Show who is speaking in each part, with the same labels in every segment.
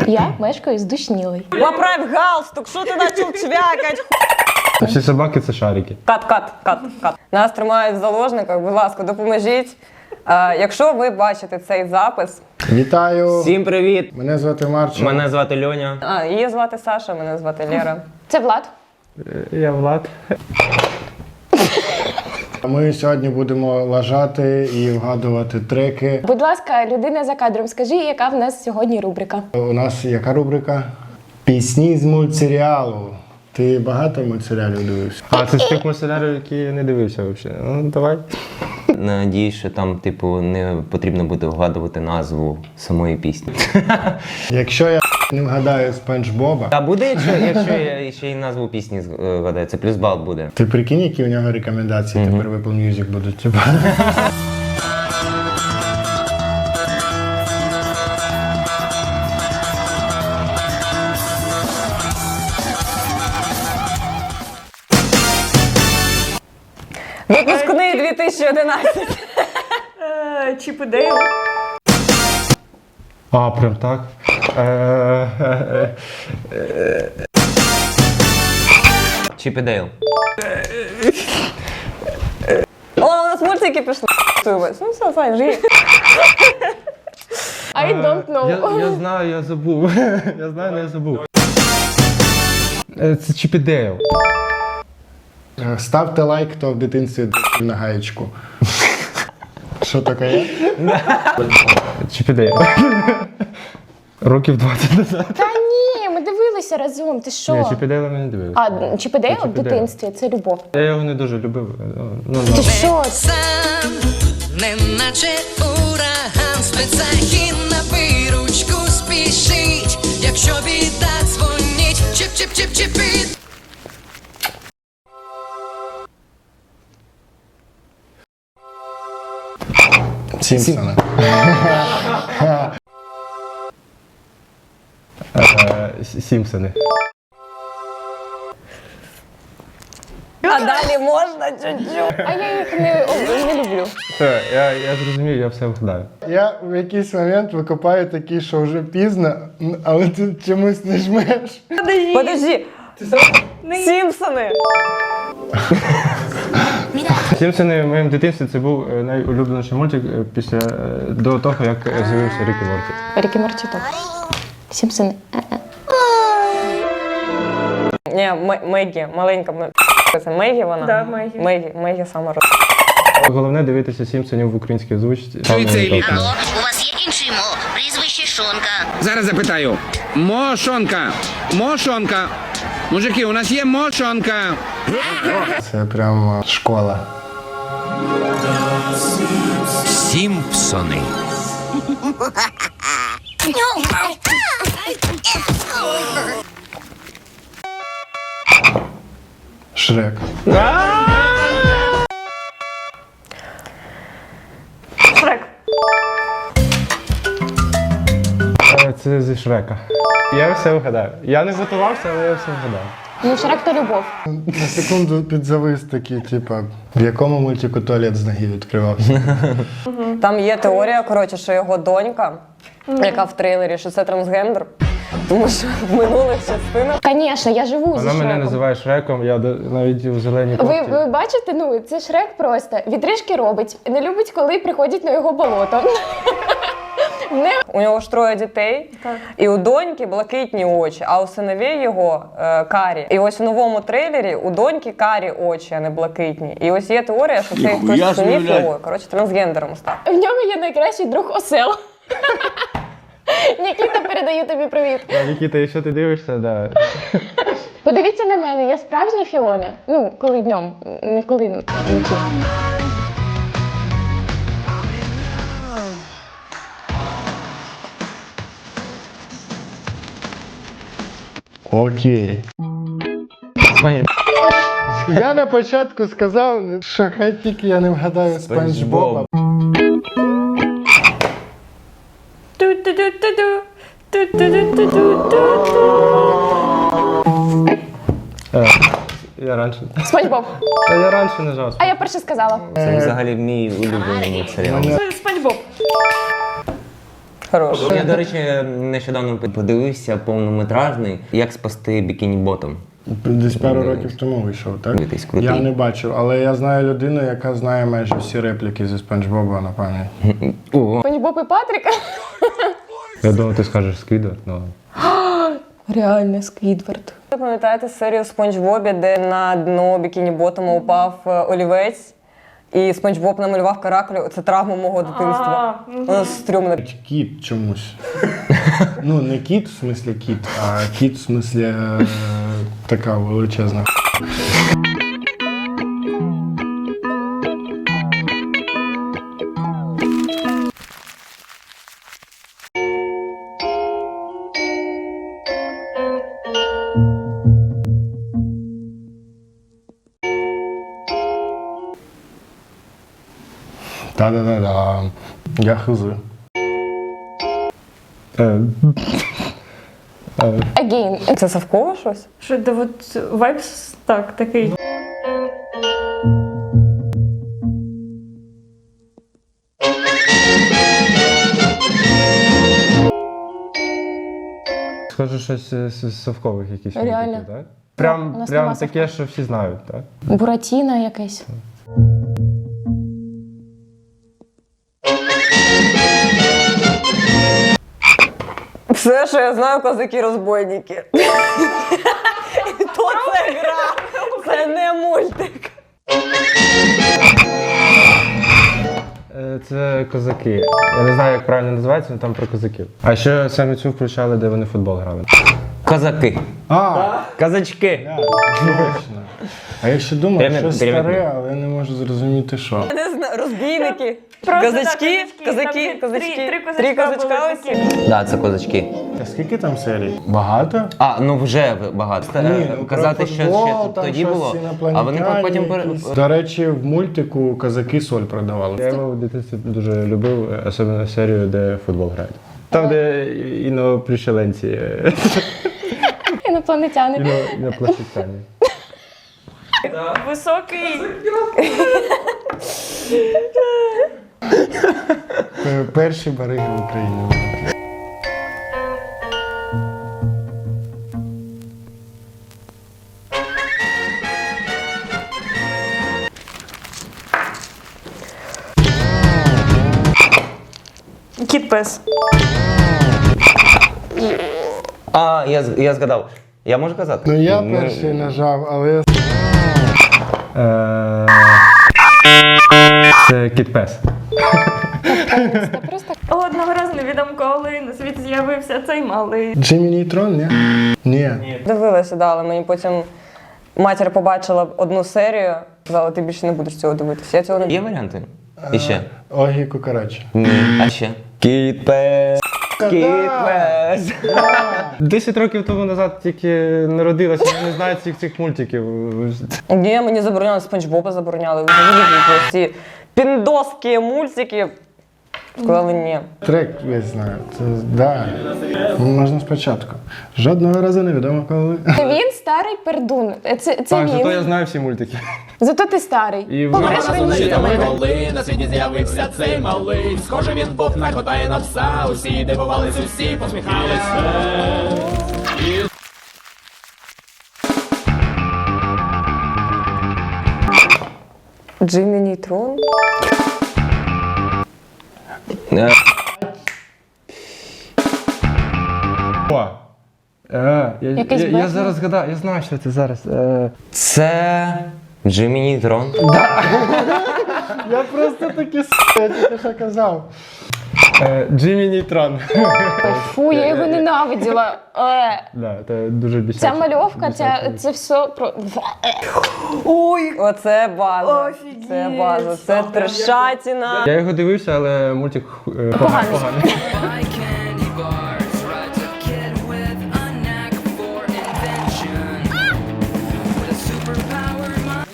Speaker 1: Я мешкаю з Душнілою.
Speaker 2: Поправь галстук, що ти почав чвякать?
Speaker 3: Всі собаки це шарики.
Speaker 2: Кат. Нас тримають в заложниках, будь ласка, допоможіть. Якщо ви бачите цей запис...
Speaker 4: Вітаю!
Speaker 5: Всім привіт!
Speaker 4: Мене звати Марчо.
Speaker 5: Мене звати Льоня.
Speaker 2: Її звати Саша, мене звати Лера.
Speaker 1: Це Влад.
Speaker 3: Я Влад.
Speaker 4: Ми сьогодні будемо лажати і вгадувати треки.
Speaker 1: Будь ласка, людина за кадром, скажи, яка в нас сьогодні рубрика?
Speaker 4: У нас яка рубрика? Пісні з мультсеріалу. Ти багато мультсеріалів дивився?
Speaker 3: А це з тих мультсеріалів, які я не дивився взагалі. Ну, давай.
Speaker 5: Надіюсь, що там, типу, не потрібно буде вгадувати назву самої пісні.
Speaker 4: Якщо я не вгадаю Спанч Боба,
Speaker 5: А буде, якщо я ще й назву пісні вгадаю, це плюс бал буде.
Speaker 4: ти прикинь, які у нього рекомендації тепер в Apple Music будуть. Типа.
Speaker 2: Випускний 2011. Чіп і Дейл.
Speaker 3: А, прям так.
Speaker 5: Чіп і Дейл.
Speaker 2: О, у нас мультики пішли. Ну все, Сань, живі.
Speaker 1: I don't know.
Speaker 3: Я знаю, я забув. Я знаю, але я забув. Це Чіп і Дейл.
Speaker 4: Ставте лайк, хто в дитинстві на гаєчку. Що таке?
Speaker 3: Чіп і Дейл. Років 20 назад.
Speaker 1: Та ні, ми дивилися разом, ти що?
Speaker 3: Ні, Чіп і Дейла ми не дивилися.
Speaker 1: А, Чіп і Дейл в
Speaker 3: Чіп і Дейл.
Speaker 1: дитинстві, це любов.
Speaker 3: Я його не дуже любив. Ну,
Speaker 1: Ти що?
Speaker 6: Сам, неначе ураган, спецахін на виручку спішить. Якщо біда дзвонить, чіп-чіп-чіп-чіпіт.
Speaker 4: Сімпсони.
Speaker 3: Сімпсони.
Speaker 2: А далі можна чуть-чуть.
Speaker 1: А я їх не люблю.
Speaker 3: Все, я зрозумів, я все вгадаю.
Speaker 4: Я в якийсь момент викопаю такі, що вже пізно, але ти чомусь не жмеш.
Speaker 2: Подожди. Сімпсони.
Speaker 3: Сімпсони в моєму дитинстві це був найулюбленіший мультик після до того, як з'явився Рік і Морті.
Speaker 1: Рік і Морті топ. Сімпсони.
Speaker 2: Ні, Мегі, маленька. Це Мегі вона?
Speaker 1: Да, Мегі.
Speaker 2: Мегі сама роз...
Speaker 3: Головне дивитися Сімпсонів в українській озвучці.
Speaker 7: Алло, у вас є інший мо? Прізвище Шонка.
Speaker 8: Зараз запитаю. Мошонка. Мошонка. Мужики, у нас є мошонка.
Speaker 4: Це прямо школа.
Speaker 8: Сімпсони.
Speaker 4: Шрек.
Speaker 2: Шрек.
Speaker 3: Це зі Шрека. Я все вгадаю. Я не готувався, але я все вгадав.
Speaker 1: Ну, Шрек то любов.
Speaker 4: На секунду підзавис такий, типа, в якому мультику туалет з ноги відкривався.
Speaker 2: Там є теорія, коротше, що його донька, яка в трейлері, що це трансгендер. Тому що в минулих частинах...
Speaker 1: Звісно, я живу зі
Speaker 3: Вона мене
Speaker 1: Шреком.
Speaker 3: називає Шреком, я навіть у зеленій кофті.
Speaker 1: Ви бачите, ну, це Шрек просто. Відрижки робить. Не любить, коли приходять на його болото.
Speaker 2: У нього ж троє дітей, і у доньки блакитні очі, а у синовей його карі. І ось у новому трейлері у доньки карі очі, а не блакитні. І ось є теорія, що цей хтось з синів його, коротше, трансгендером став.
Speaker 1: В нього є найкращий друг осел. Нікіта, передаю тобі привіт.
Speaker 3: Нікіта, якщо ти дивишся, да.
Speaker 1: Подивіться на мене, я справжня Фіона. Ну, коли днем, не коли вночі.
Speaker 4: Окей. Я на початку сказав, що хай тільки я не вгадаю Спанч Боба.
Speaker 3: Я раніше.
Speaker 1: Спанч Боб.
Speaker 3: Та я раніше нажав.
Speaker 1: А я перше сказала.
Speaker 5: Це взагалі мій улюблений мультсеріал.
Speaker 2: Спанч Боб. Хорош.
Speaker 5: Я, до речі, нещодавно подивився повнометражний «Як спасти бікіні ботом».
Speaker 4: Десь пару років тому вийшов, так?
Speaker 5: Дивитись, крутий.
Speaker 4: Я не бачив, але я знаю людину, яка знає майже всі репліки зі Спанч Боба на пам'ять.
Speaker 5: Ого.
Speaker 1: Пані Боб і Патрік.
Speaker 3: Я думав, ти скажеш Сквідвард, ну.
Speaker 1: Реально, Сквідвард.
Speaker 2: Ви пам'ятаєте серію Спанч Бобі, де на дно бікіні ботому упав олівець, і Спанч Боб намалював каракулю? Це травма мого дитинства. Воно стрьомне.
Speaker 4: Кіт чомусь. Ну, не кіт в смислі кіт, а кіт в смислі така величезна. Та-да-да-да. Я хз.
Speaker 1: Again.
Speaker 2: Це Савкова щось?
Speaker 9: Що де от вайбс так, такий.
Speaker 3: Схоже, щось з совкових якісь
Speaker 1: Реально.
Speaker 3: мультиків, так?
Speaker 1: У
Speaker 3: Прям
Speaker 1: нас нема
Speaker 3: таке, що всі знають, так?
Speaker 1: Буратіно якесь.
Speaker 2: Все, що я знаю, козаки-розбойники. І то це гра, це не мультик.
Speaker 3: Це козаки. Я не знаю, як правильно називається, але там про козаків. А ще саме цю включали, де вони в футбол грали.
Speaker 5: Козаки. Казачки.
Speaker 4: Точно. А я ще думав,
Speaker 5: Прямо-
Speaker 4: щось
Speaker 5: прямо-
Speaker 4: старе, але я не можу зрозуміти, що.
Speaker 2: Не знаю, розбійники,
Speaker 9: Просто,
Speaker 2: козачки,
Speaker 9: да,
Speaker 2: козаки,
Speaker 9: там
Speaker 2: козачки.
Speaker 9: три
Speaker 2: Три
Speaker 9: козачка
Speaker 2: козачка
Speaker 9: були
Speaker 2: ось.
Speaker 9: такі.
Speaker 5: Да, це козачки.
Speaker 4: А скільки там серій? Багато?
Speaker 5: А, ну вже багато.
Speaker 4: Ну,
Speaker 5: Казати,
Speaker 4: про
Speaker 5: що
Speaker 4: футбол,
Speaker 5: ще
Speaker 4: там
Speaker 5: тоді
Speaker 4: щось
Speaker 5: було. А вони
Speaker 4: інопланетяні
Speaker 5: потім
Speaker 4: якісь. До речі, в мультику козаки соль продавали.
Speaker 3: Я його в дитинстві дуже любив, особливо серію, де футбол грають. Там, де іноплющеленці,
Speaker 1: Інопланетяни.
Speaker 3: іноплащицяні.
Speaker 9: Високий.
Speaker 4: Перші бариги в Україні.
Speaker 9: Кіт-пес.
Speaker 5: А, я згадав. Я можу казати?
Speaker 4: Ну я
Speaker 5: Ми-
Speaker 4: перший нажав, але
Speaker 3: Це кіт-пес.
Speaker 1: Це просто
Speaker 9: Одного разу невідомо коли на світ з'явився цей малий.
Speaker 4: Джиммі Нейтрон, ні? Ні.
Speaker 2: Дивилася, да, але мені потім матір побачила одну серію, сказала, ти більше не будеш цього дивитися. Я цього не
Speaker 5: Є варіанти? І ще?
Speaker 4: Огі Кукарач.
Speaker 5: Ні. А ще? Кіт-пес. Кіт-пес.
Speaker 3: 10 років тому назад тільки народилася, я не знаю цих мультиків.
Speaker 2: Ні, мені забороняли, Спанч Боба забороняли. Взагалі ці піндоски мультики. Сказали ні.
Speaker 4: Трек весь знаю. Це да. Можна спочатку. Жодного разу не відомо коли.
Speaker 1: він старий пердун. Це
Speaker 3: Так, зато я
Speaker 1: він.
Speaker 3: знаю всі мультики.
Speaker 1: Зато ти старий.
Speaker 3: І
Speaker 1: Помреш раніше за мене.
Speaker 10: Коли на світі з'явився цей малий, схоже він був на кота і на пса. Усі дивувались, усі посміхались.
Speaker 2: Джиммі Нейтрон?
Speaker 3: О!
Speaker 1: Якийсь
Speaker 3: Я
Speaker 1: Бетмен.
Speaker 3: зараз згадав, я знаю, що це зараз.
Speaker 5: Це Джиммі Нейтрон.
Speaker 4: Я просто таки я тільки що казав.
Speaker 3: Джиммі Нейтрон.
Speaker 1: Фу, я його ненавиділа.
Speaker 3: Да, це дуже бісяче.
Speaker 1: Ця мальовка, це все про.
Speaker 2: Ой, оце база.
Speaker 9: Офігеть,
Speaker 2: Це база, це трешатіна.
Speaker 3: Я його дивився, але мультик поганий.
Speaker 6: Buy candy bars, rides a kid with a knack for invention. With a superpowered mind.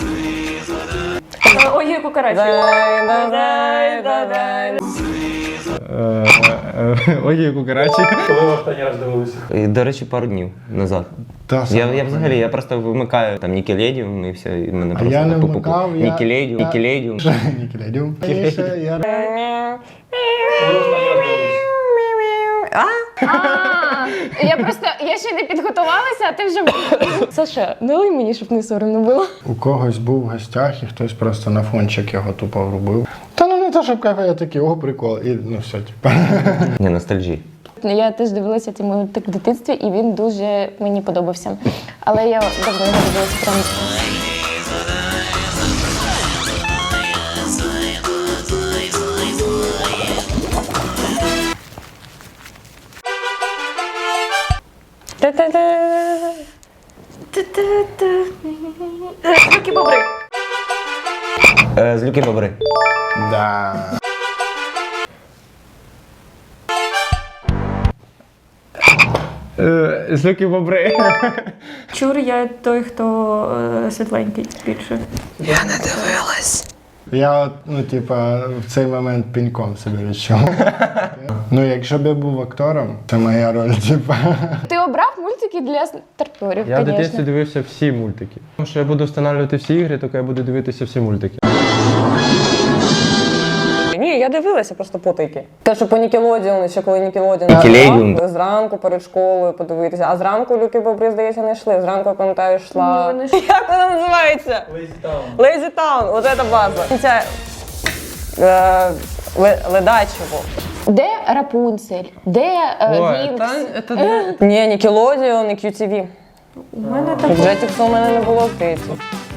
Speaker 9: Ой, Кукарач.
Speaker 2: Дай, дай, дай, дай, дай.
Speaker 3: Ой, кукарачі.
Speaker 4: Коли ви останній раз дивилися?
Speaker 5: І, до речі, пару днів назад.
Speaker 4: Та сама.
Speaker 5: Я взагалі, я просто вмикаю там Нікеледіум і все, і мене просто
Speaker 4: я не
Speaker 5: пу-пу-пу.
Speaker 4: вмикав, я-
Speaker 5: Нікеледіум,
Speaker 4: я-
Speaker 5: Нікеледіум.
Speaker 4: Нікеледіум.
Speaker 1: Я ще не підготувалася, а ти вже. Саша, налий мені, щоб не соромно було.
Speaker 4: У когось був в гостях і хтось просто на фончик його тупо врубив. Та ну не то, щоб кафе, я такий, о, прикол. І ну все, типа.
Speaker 5: Ні, ностальжі.
Speaker 1: Я теж дивилася цей мультик в дитинстві, і він дуже мені подобався. Але я давно не дивилася прям.
Speaker 9: Такі бобри.
Speaker 5: З Люки Бобри.
Speaker 4: Да.
Speaker 3: З Люки Бобри.
Speaker 9: Чур, я той, хто світленький більше.
Speaker 4: Я от, ну, типа, в цей момент пеньком себе відчув. Ну, якщо б я був актором, це моя роль, типа.
Speaker 1: Ти обрав мультики для старперів,
Speaker 3: Я в дитинстві
Speaker 1: звісно.
Speaker 3: дивився всі мультики. Тому що я буду встановлювати всі ігри, тільки я буду дивитися всі мультики.
Speaker 2: Ні, я дивилася просто потайки. Те, що по Нікелодіону, ще коли Нікелодіон
Speaker 5: Нікелодіон.
Speaker 2: зранку перед школою подивитися. А зранку Люки Бобри, здається, не йшли. Зранку, я пам'ятаю, йшла. Як вона називається? Lazy Town. От це база. Ця Ледачево.
Speaker 1: Де Рапунцель? Де Вінкс?
Speaker 2: Ні, Нікелодіон і QTV.
Speaker 9: У мене так.
Speaker 2: Джетікса у мене не було, здається.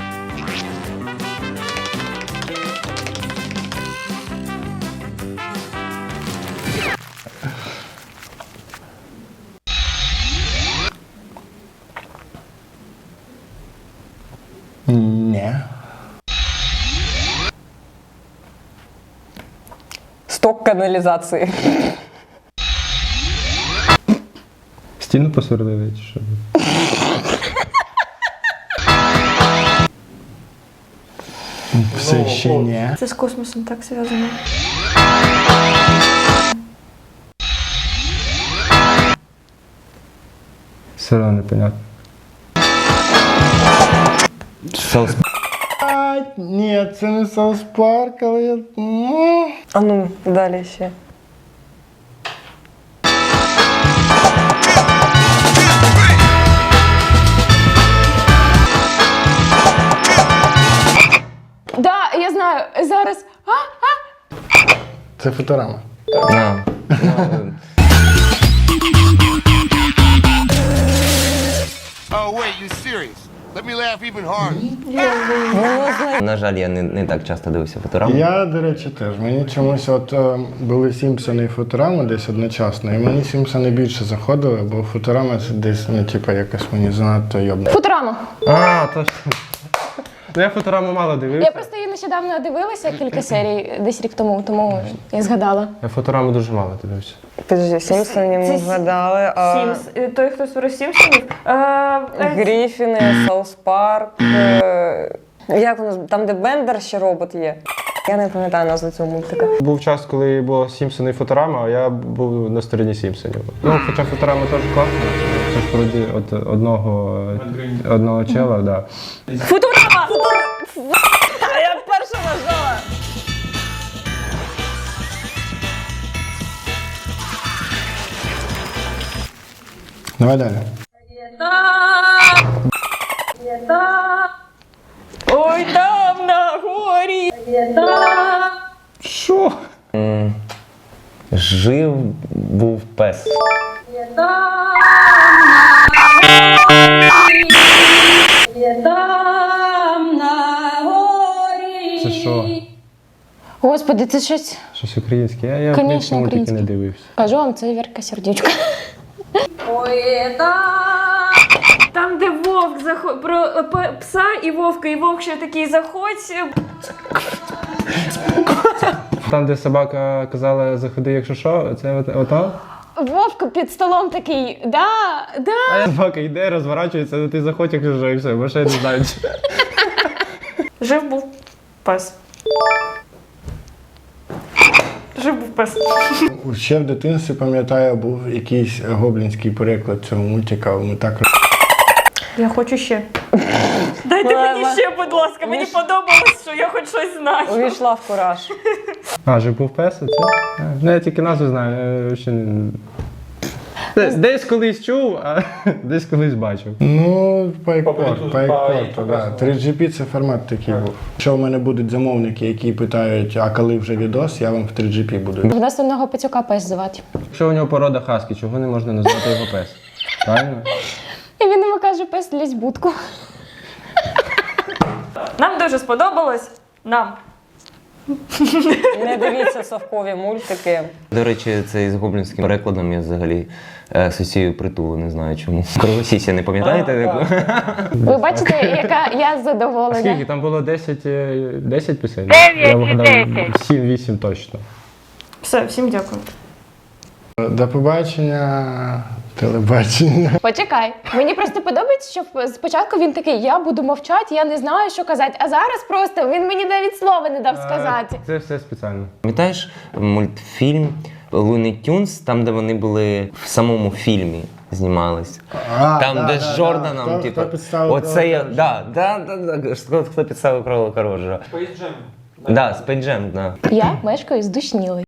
Speaker 4: Ні.
Speaker 2: Сток каналізації.
Speaker 3: Стіну посверлили чи що?
Speaker 4: Все ще ні.
Speaker 9: Це з космосом так зв'язано.
Speaker 3: Все одно непонятно.
Speaker 5: Соус.
Speaker 4: Ні, це не Саус Парк, але я.
Speaker 2: А ну, далі ще.
Speaker 1: Да, я знаю. Зараз.
Speaker 4: Це Футурама.
Speaker 5: На.
Speaker 10: Oh, wait, you serious? Let me laugh even harder.
Speaker 5: На жаль, я не так часто дивився Футураму.
Speaker 4: Я, до речі, теж. Мені чомусь от були Сімпсони і Футурама десь одночасно, і мені Сімпсони більше заходили, бо Футурама це десь, ну, типа, якось мені занадто йобно.
Speaker 1: Футурама.
Speaker 3: А, точно. Ну я Футураму мало
Speaker 1: Я
Speaker 3: дивився.
Speaker 1: просто її нещодавно дивилася кілька серій, десь рік тому я згадала.
Speaker 3: Я Футураму дуже мало дивився.
Speaker 2: Підожди, Сімпсонів ми згадали.
Speaker 9: Сімс. Той, хто створив Сімпсонів.
Speaker 2: Гріфіни, Саус Парк. Як воно? Там, де Бендер ще робот є. Я не пам'ятаю назву цього мультика.
Speaker 3: Був час, коли було Сімпсони і Футурама, а я був на стороні Сімпсонів. Ну, хоча Футурама теж класна. Це ж вроді от одного чела, так. Да.
Speaker 9: Футурама!
Speaker 2: А я перша нажала.
Speaker 4: Давай далі.
Speaker 9: Ой, там на горі.
Speaker 3: Що?
Speaker 5: Жив був пес.
Speaker 3: Це що?
Speaker 1: Господи, це щось.
Speaker 3: Українське? Я
Speaker 1: Конечно,
Speaker 3: українські мультики не
Speaker 1: українське.
Speaker 3: дивився.
Speaker 1: Кажу вам, це Вірка Сердючка.
Speaker 9: Там, де вовк заходить, про пса і вовка, і вовк ще такий заходь.
Speaker 3: Там, де собака казала, заходи, якщо що, це ото?
Speaker 1: Вовка під столом такий, да.
Speaker 3: А собака йде, розворачується, ну ти заходь, якщо що, і все, бо ще я не знаю.
Speaker 9: Жив був пес. Жив був пес.
Speaker 4: Ще в дитинстві, пам'ятаю, був якийсь гоблінський переклад цього мультика. Ми так
Speaker 9: Я хочу ще. Дайте мені ще, будь ласка. Мені подобалось, що я хоч щось знаю.
Speaker 2: Увійшла в кураж.
Speaker 3: А, жив був пес, це? Ну, я тільки назву знаю, я ще не... Десь колись чув, а десь колись бачив.
Speaker 4: Ну, по експорту, да. 3GP це формат такий був. Якщо в мене будуть замовники, які питають, а коли вже відос, я вам в 3GP буду.
Speaker 1: В нас одного пацюка пес звати.
Speaker 3: Якщо у нього порода хаскі, чого не можна назвати його пес? Правильно?
Speaker 1: І він йому каже, пес лізь в будку.
Speaker 9: Нам дуже сподобалось. Нам.
Speaker 2: Не дивіться совкові мультики.
Speaker 5: До речі, це з гоблінським перекладом я взагалі асоціюю притулу, не знаю чому. Кровосісся, не пам'ятаєте? таку?
Speaker 1: Ви бачите, яка я задоволена.
Speaker 3: Скільки? Там було 10 пісень? 9 я вгадав 7-8 точно.
Speaker 9: Все, всім дякую.
Speaker 4: До побачення, телебачення.
Speaker 1: Почекай. Мені просто подобається, що спочатку він такий, я буду мовчати, я не знаю, що казати. А зараз просто він мені навіть слова не дав сказати.
Speaker 3: Це все спеціально.
Speaker 5: Пам'ятаєш мультфільм Looney Tunes, там, де вони були в самому фільмі знімались? Там, де з Джорданом, типу. Оце я. Да. Хто підставив кролика Роджера? Space Jam. Да, Space Jam, да.
Speaker 1: Я мешкаю з Душнілою.